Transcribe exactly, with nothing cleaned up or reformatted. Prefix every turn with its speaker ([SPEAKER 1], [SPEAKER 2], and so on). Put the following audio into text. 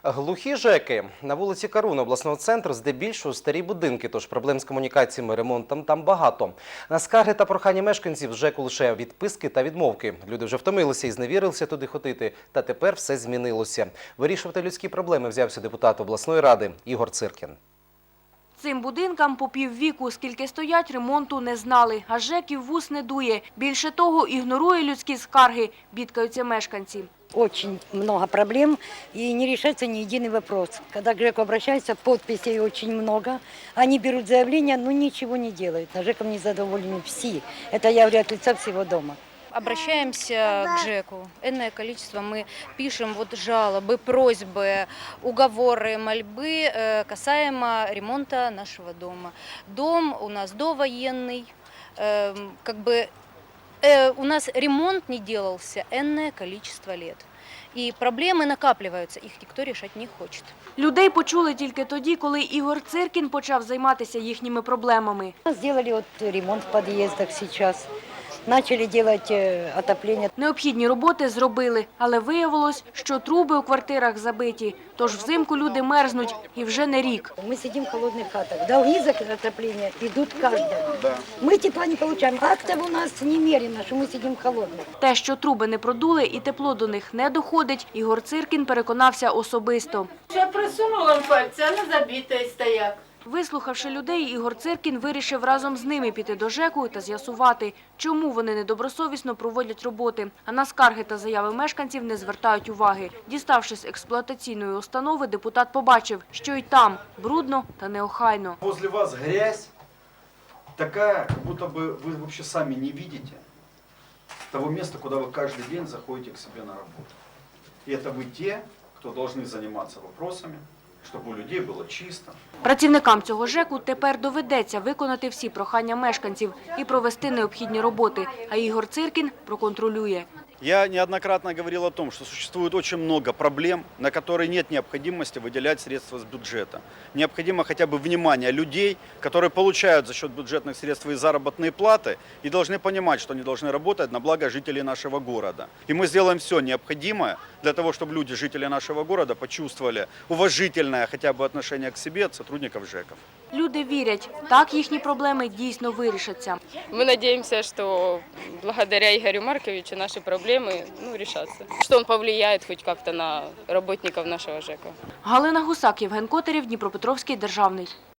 [SPEAKER 1] Глухі ЖЕКи. На вулиці Каруна обласного центру здебільшого старі будинки, тож проблем з комунікаціями, ремонтом там багато. На скарги та прохання мешканців з ЖЕКу лише відписки та відмовки. Люди вже втомилися і зневірилися туди ходити, та тепер все змінилося. Вирішувати людські проблеми взявся депутат обласної ради Ігор Циркін.
[SPEAKER 2] Цим будинкам по піввіку, скільки стоять, ремонту не знали, а ЖЕКів вус не дує. Більше того, ігнорує людські скарги, бідкаються мешканці.
[SPEAKER 3] Очень много проблем и не решается ни единый вопрос. Когда к ЖЭКу обращаются, подписей очень много. Они берут заявление, но ничего не делают. На ЖЭКом не задоволены все. Это я говорю от лица всего дома.
[SPEAKER 4] Обращаемся к ЖЭКу. Энное количество мы пишем вот жалобы, просьбы, уговоры, мольбы касаемо ремонта нашего дома. Дом у нас довоенный, как бы у нас ремонт не делался энное количество лет. І проблеми накоплюються, їх ніхто рішати не хоче.
[SPEAKER 2] Людей почули тільки тоді, коли Ігор Циркін почав займатися їхніми проблемами.
[SPEAKER 3] Сделали вот ремонт в подъездах сейчас. Начали делать отопление.
[SPEAKER 2] Необхідні роботи зробили, але виявилось, що труби у квартирах забиті. Тож взимку люди мерзнуть і вже не рік.
[SPEAKER 3] Мы сидим в холодных хатах. Долги за отопление идут каждому. Да. Мы тепла не получаем. Как-то у нас немерено, что мы сидим в холодных.
[SPEAKER 2] Те, що труби не продули і тепло до них не доходить, Ігор Циркін переконався особисто.
[SPEAKER 5] Я просунула пальці, а не забитий стояк.
[SPEAKER 2] Вислухавши людей, Ігор Циркін вирішив разом з ними піти до ЖЕКу та з'ясувати, чому вони недобросовісно проводять роботи, а на скарги та заяви мешканців не звертають уваги. Діставшись з експлуатаційної установи, депутат побачив, що й там брудно та неохайно.
[SPEAKER 6] Возле вас грязь такая, как будто бы вы вообще сами не видите того места, куда вы каждый день заходите к себе на работу. И это вы те, кто должны заниматься вопросами, щоб у людей було чисто.
[SPEAKER 2] Працівникам цього ЖЕКу тепер доведеться виконати всі прохання мешканців і провести необхідні роботи, а Ігор Циркін проконтролює.
[SPEAKER 6] Я неоднократно говорил о том, что существует очень много проблем, на которые нет необходимости выделять средства с бюджета. Необходимо хотя бы внимание людей, которые получают за счет бюджетных средств свои заработные платы и должны понимать, что они должны работать на благо жителей нашего города. И мы сделаем все необходимое для того, чтобы люди, жители нашего города, почувствовали уважительное хотя бы отношение к себе от сотрудников ЖЕКов.
[SPEAKER 2] Люди вірять, так їхні проблеми дійсно вирішаться.
[SPEAKER 7] Мы надеемся, что благодаря Игорю Марковичу наши проблемы ну, решатся. Что он повлияет хоть как-то на работников нашего ЖЭКа.
[SPEAKER 2] Галина Гусак, Євген Котарєв, Дніпропетровський державний.